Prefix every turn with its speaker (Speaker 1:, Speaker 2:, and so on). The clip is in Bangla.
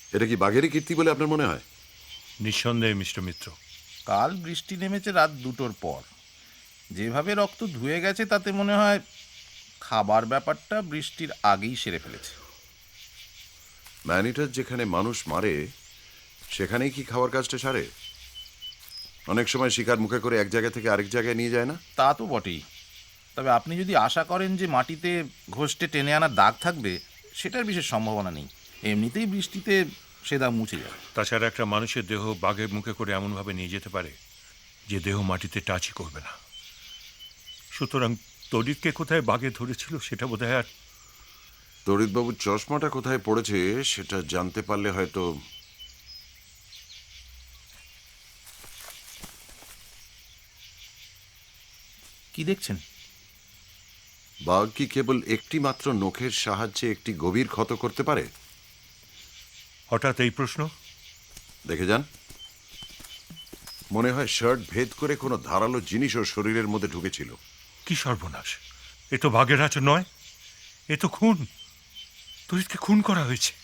Speaker 1: এটা কি বাঘেরই কীর্তি বলে আপনার মনে হয়?
Speaker 2: নিঃসন্দেহে মিস্টার মিত্র।
Speaker 3: কাল বৃষ্টি নেমেছে রাত 2টোর পর। যেভাবে রক্ত ধুয়ে গেছে তাতে মনে হয় খাবার ব্যাপারটা বৃষ্টির আগেই সেরে ফেলেছে।
Speaker 1: ম্যানিটার যেখানে মানুষ মারে সেখানেই কি খাওয়ার কাজটা সারে? অনেক সময় শিকার মুখে করে এক জায়গা থেকে আরেক জায়গায় নিয়ে যায় না?
Speaker 3: তা তো বটেই। তবে আপনি যদি আশা করেন যে মাটিতে ঘষটে টেনে আনার দাগ থাকবে, সেটার বিশেষ সম্ভাবনা নেই। এমনিতেই বৃষ্টিতে সে দাগ মুছে যায়।
Speaker 2: তাছাড়া একটা মানুষের দেহ বাঘের মুখে করে এমনভাবে নিয়ে যেতে পারে যে দেহ মাটিতে টাচই করবে না। সুতরাং তড়িৎকে কোথায় বাঘে ধরেছিল সেটা বোধহয় আর
Speaker 1: তড়িৎবাবুর চশমাটা কোথায় পড়েছে সেটা জানতে পারলে হয়তো।
Speaker 3: কি দেখছেন?
Speaker 1: বাঘ কি কেবল একটি মাত্র নখের সাহায্যে একটি গভীর ক্ষত করতে পারে?
Speaker 2: হঠাৎ এই প্রশ্ন?
Speaker 1: দেখে যান। মনে হয় শার্ট ভেদ করে কোনো ধারালো জিনিস ওর শরীরের মধ্যে ঢুকেছিল।
Speaker 2: কি সর্বনাশ! এ তো বাঘের আচর নয়, এ তো খুন। তড়িৎকে খুন করা হয়েছে।